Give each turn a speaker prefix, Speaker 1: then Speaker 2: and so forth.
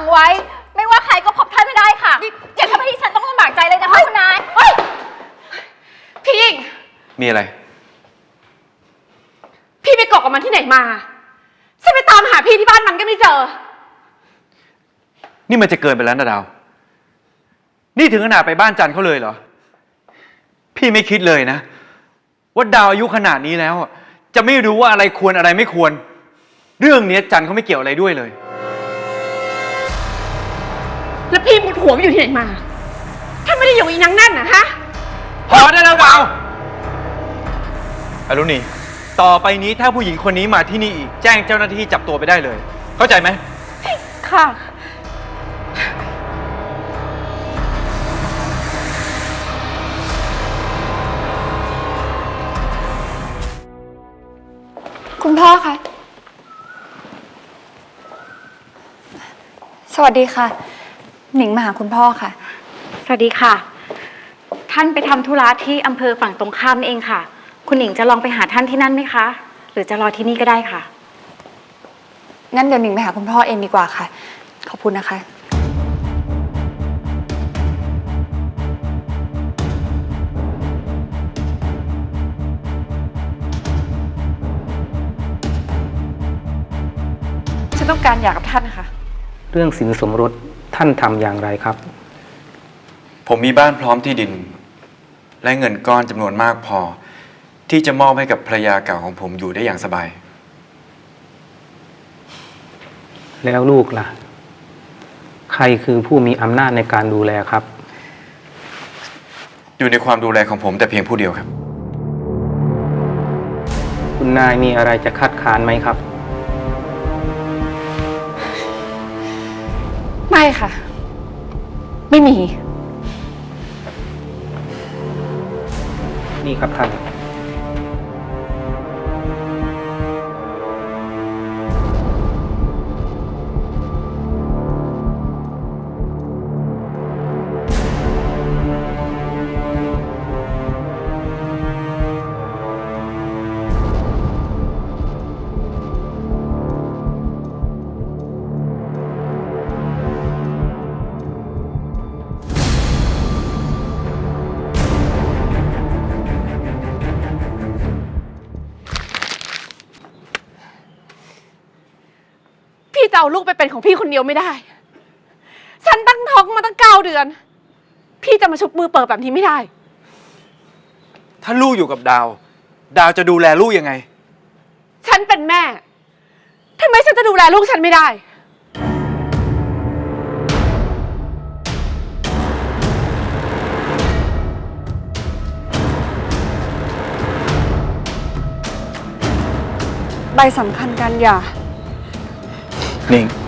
Speaker 1: งไว้ไม่ว่าใครก็พบท่านไม่ได้ค่ะอย่าทำให้ดิฉันต้องลำบากใจเลยนะคะคุณนาย
Speaker 2: พี่หญิง
Speaker 3: มีอะไร
Speaker 2: พี่ไปเกาะกับมันที่ไหนมาฉันไปตามหาพี่ที่บ้านมันก็ไม่เจอ
Speaker 3: นี่มันจะเกินไปแล้วนะดาวนี่ถึงขนาดไปบ้านจันเขาเลยเหรอพี่ไม่คิดเลยนะว่าดาวอายุขนาดนี้แล้วจะไม่รู้ว่าอะไรควรอะไรไม่ควรเรื่องนี้จันเขาไม่เกี่ยวอะไรด้วยเลย
Speaker 2: แล้วพี่มุดหัวไปอยู่ที่ไหนมาท่านไม่ได้อยู่อีนังนั่นนะฮะ
Speaker 3: พอได้แล้วดาวอรุณีต่อไปนี้ถ้าผู้หญิงคนนี้มาที่นี่อีกแจ้งเจ้าหน้าที่จับตัวไปได้เลยเข้าใจไหม
Speaker 2: ค่ะ
Speaker 1: คุณพ่อคะสวัสดีค่ะหนิงมาหาคุณพ่อค่ะ
Speaker 4: สวัสดีค่ะท่านไปทำธุระที่อำเภอฝั่งตรงข้ามนี่เองค่ะคุณหนิงจะลองไปหาท่านที่นั่นไหมคะหรือจะรอที่นี่ก็ได้ค่ะ
Speaker 1: งั้นเดี๋ยวหนิงไปหาคุณพ่อเองดีกว่าค่ะขอบคุณนะคะฉันต้องการหย่ากับท่านค่ะ
Speaker 5: เรื่องสินสมรสท่านทำอย่างไรครับ
Speaker 3: ผมมีบ้านพร้อมที่ดินและเงินก้อนจำนวนมากพอที่จะมอบให้กับภรรยาเก่าของผมอยู่ได้อย่างสบาย
Speaker 5: แล้วลูกล่ะใครคือผู้มีอำนาจในการดูแลครับ
Speaker 3: อยู่ในความดูแลของผมแต่เพียงผู้เดียวครับ
Speaker 5: คุณนายมีอะไรจะคัดค้านไหมครับ
Speaker 2: ไม่ค่ะไม่มี
Speaker 5: นี่ครับท่าน
Speaker 2: พี่จะเอาลูกไปเป็นของพี่คนเดียวไม่ได้ฉันตั้งท้องมาตั้ง9 เดือนพี่จะมาชุบมือเปิดแบบนี้ไม่ได้
Speaker 3: ถ้าลูกอยู่กับดาวจะดูแลลูกยังไง
Speaker 2: ฉันเป็นแม่ทำไมฉันจะดูแลลูกฉันไม่ได้
Speaker 1: ใบสำคัญการหย่า
Speaker 3: นิ่ง